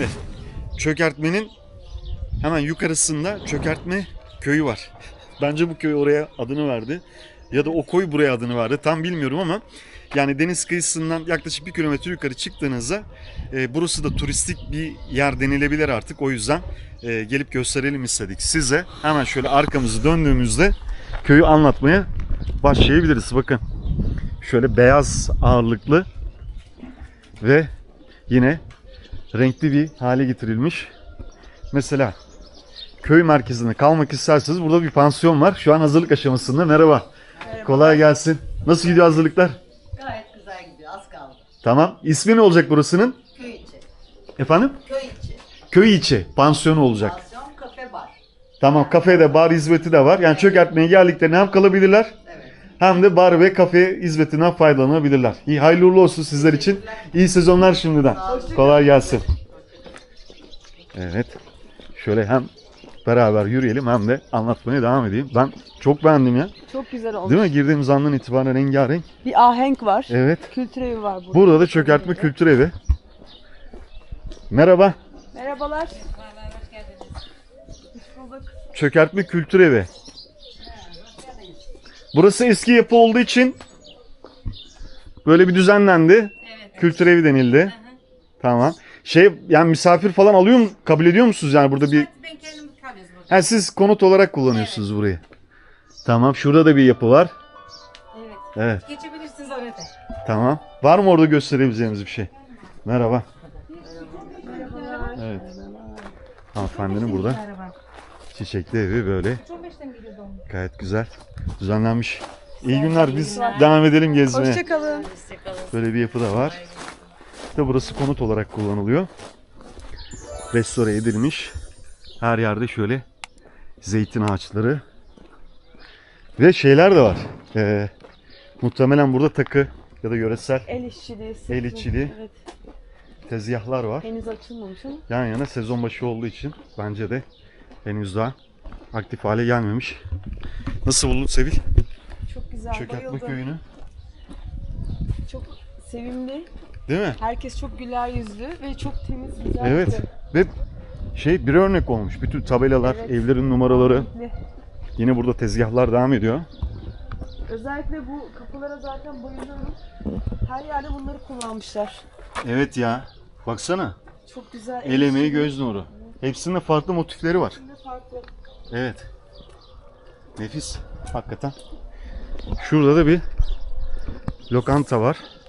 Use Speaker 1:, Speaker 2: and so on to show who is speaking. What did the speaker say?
Speaker 1: Şimdi çökertmenin hemen yukarısında çökertme köyü var. Bence bu köy oraya adını verdi. Ya da o koy buraya adını verdi. Tam bilmiyorum ama yani deniz kıyısından yaklaşık 1 kilometre yukarı çıktığınızda burası da turistik bir yer denilebilir artık. O yüzden gelip gösterelim istedik size. Hemen şöyle arkamızı döndüğümüzde köyü anlatmaya başlayabiliriz. Bakın şöyle beyaz ağırlıklı ve yine renkli bir hale getirilmiş. Mesela köy merkezinde kalmak isterseniz burada bir pansiyon var. Şu an hazırlık aşamasında. Merhaba.
Speaker 2: Merhaba.
Speaker 1: Kolay gelsin. Nasıl gidiyor hazırlıklar?
Speaker 2: Gayet güzel gidiyor. Az kaldı.
Speaker 1: Tamam. İsmi ne olacak burasının?
Speaker 2: Köy içi.
Speaker 1: Efendim?
Speaker 2: Köy içi.
Speaker 1: Köy içi pansiyonu olacak.
Speaker 2: Pansiyon, kafe, bar.
Speaker 1: Tamam. Kafede bar hizmeti de var. Yani çökertmeye geldiklerinde hem kalabilirler
Speaker 2: Evet.
Speaker 1: hem de bar ve kafe hizmetinden faydalanabilirler. İyi, hayırlı uğurlu olsun sizler için. İyi sezonlar şimdiden.
Speaker 2: Sağ olun.
Speaker 1: Kolay gelsin. Evet. Şöyle hem beraber yürüyelim hem de anlatmaya devam edeyim. Ben çok beğendim ya.
Speaker 3: Çok güzel olmuş.
Speaker 1: Değil mi? Girdiğimiz andan itibaren rengarenk.
Speaker 3: Bir ahenk var.
Speaker 1: Evet.
Speaker 3: Kültür evi var burada.
Speaker 1: Burada da çökertme kültür evi. Merhaba.
Speaker 3: Merhabalar. Hoş geldiniz. Hoş bulduk.
Speaker 1: Çökertme kültür evi. Burası eski yapı olduğu için böyle bir düzenlendi.
Speaker 4: Evet.
Speaker 1: Kültür evi denildi. Tamam. Yani misafir falan alıyor mu? Kabul ediyor musunuz yani burada bir?
Speaker 4: Ben kendim kalıyoruz burada.
Speaker 1: Ha, siz konut olarak kullanıyorsunuz burayı. Tamam. Şurada da bir yapı var.
Speaker 4: Evet.
Speaker 1: Evet.
Speaker 4: Geçebilirsiniz oraya.
Speaker 1: Tamam. Var mı orada gösterebileceğimiz bir şey? Merhaba. Evet. Hanımefendinin burada çiçekli evi böyle. Gayet güzel. Düzenlenmiş. İyi günler. Biz devam edelim gezmeye.
Speaker 3: Hoşçakalın.
Speaker 1: Böyle bir yapı da var. İşte burası konut olarak kullanılıyor. Restore edilmiş. Her yerde şöyle zeytin ağaçları. Ve şeyler de var. Muhtemelen burada takı ya da yöresel
Speaker 3: El işçiliği.
Speaker 1: El işçiliği.
Speaker 3: Evet.
Speaker 1: tezgahlar var.
Speaker 3: Henüz açılmamış ama.
Speaker 1: Yan yana sezon başı olduğu için bence de henüz daha aktif hale gelmemiş. Nasıl buldun Sevil?
Speaker 3: Çok güzel.
Speaker 1: Çökertme
Speaker 3: Bayıldım.
Speaker 1: köyünü.
Speaker 3: Çok sevimli.
Speaker 1: Değil mi?
Speaker 3: Herkes çok güler yüzlü ve çok temiz, güzel.
Speaker 1: Evet. Ve bir örnek olmuş. Bütün tabelalar,
Speaker 3: Evet.
Speaker 1: evlerin numaraları.
Speaker 3: Kesinlikle.
Speaker 1: Yine burada tezgahlar devam ediyor.
Speaker 3: Özellikle bu kapılara zaten bayılıyorum. Her yerde bunları kullanmışlar.
Speaker 1: Evet ya. Baksana.
Speaker 3: Çok güzel.
Speaker 1: El emeği,
Speaker 3: işçiliği.
Speaker 1: göz nuru. Hepsinde farklı motifleri var.
Speaker 3: Şimdi farklı.
Speaker 1: Evet. Nefis. Hakikaten. Şurada da bir lokanta var.